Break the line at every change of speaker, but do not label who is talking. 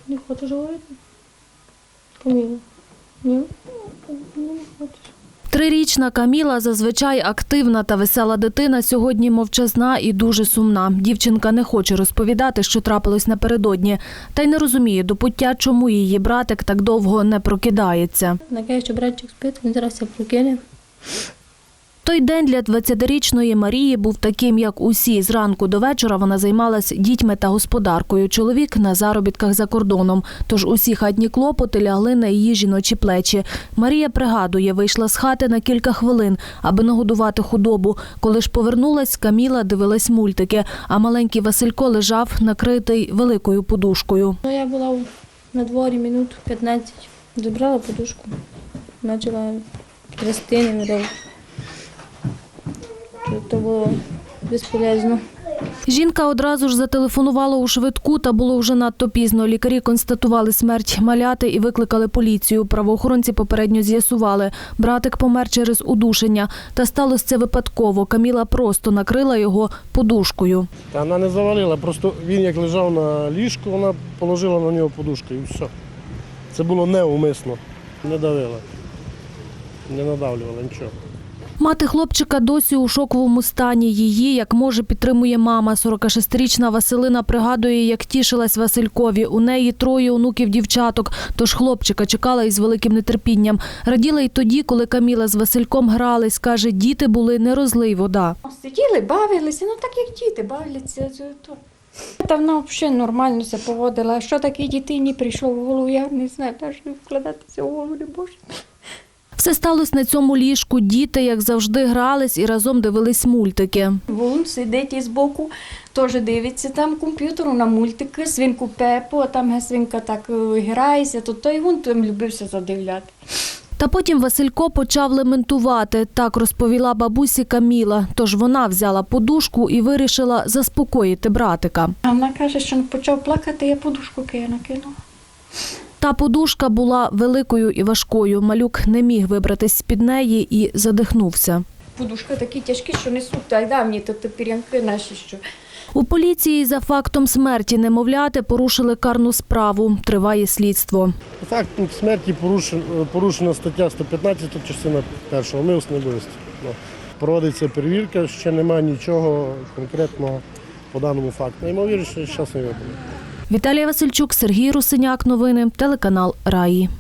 Не хочеш говорити? Каміла? Ні? Не хочеш.
3-річна Каміла, зазвичай активна та весела дитина, сьогодні мовчазна і дуже сумна. Дівчинка не хоче розповідати, що трапилось напередодні, та й не розуміє до пуття, чому її братик так довго не прокидається.
Накаже, що братчик спить, він зараз все прокине.
Той день для 20-річної Марії був таким, як усі. Зранку до вечора вона займалась дітьми та господаркою. Чоловік на заробітках за кордоном. Тож усі хатні клопоти лягли на її жіночі плечі. Марія пригадує, вийшла з хати на кілька хвилин, аби нагодувати худобу. Коли ж повернулась, Каміла дивилась мультики, а маленький Василько лежав накритий великою подушкою.
Я була на дворі минут 15. Забрала подушку, почала трясти, не видав. Це було безполезно.
Жінка одразу ж зателефонувала у швидку, та було вже надто пізно. Лікарі констатували смерть маляти і викликали поліцію. Правоохоронці попередньо з'ясували. Братик помер через удушення. Та сталося це випадково. Каміла просто накрила його подушкою.
Та вона не завалила, просто він як лежав на ліжку, вона положила на нього подушку і все. Це було неумисно. Не давила, не надавлювала нічого.
Мати хлопчика досі у шоковому стані. Її, як може, підтримує мама. 46-річна Василина пригадує, як тішилась Василькові. У неї 3 онуків-дівчаток, тож хлопчика чекала із великим нетерпінням. Раділа й тоді, коли Каміла з Васильком грались. Каже, діти були не розлий вода.
Сиділи, бавилися, так як діти бавляться. Та вона взагалі нормально себе поводила. А що такій дитині прийшло в голову, я не знаю, навіть вкладатися в голову не можу.
Все сталося на цьому ліжку. Діти, як завжди, грались і разом дивились мультики.
Вон сидить із боку, теж дивиться там комп'ютеру на мультики, свинку Пепу, а там свинка так грається, то той вон там любився задивляти.
Та потім Василько почав лементувати. Так розповіла бабусі Каміла. Тож вона взяла подушку і вирішила заспокоїти братика.
А вона каже, що почав плакати, я подушку накинула.
Та подушка була великою і важкою. Малюк не міг вибратись з-під неї і задихнувся.
Подушка такі тяжкі, що несуть, так давні, то пірянки наші, що.
У поліції за фактом смерті немовляти порушили карну справу. Триває слідство.
Факт смерті порушена стаття 115, частина 1, умисне вбивство. Проводиться перевірка, ще немає нічого конкретного по даному факту. Ймовірно, що зараз не випадає.
Віталія Васильчук, Сергій Русиняк. Новини. Телеканал «Раї».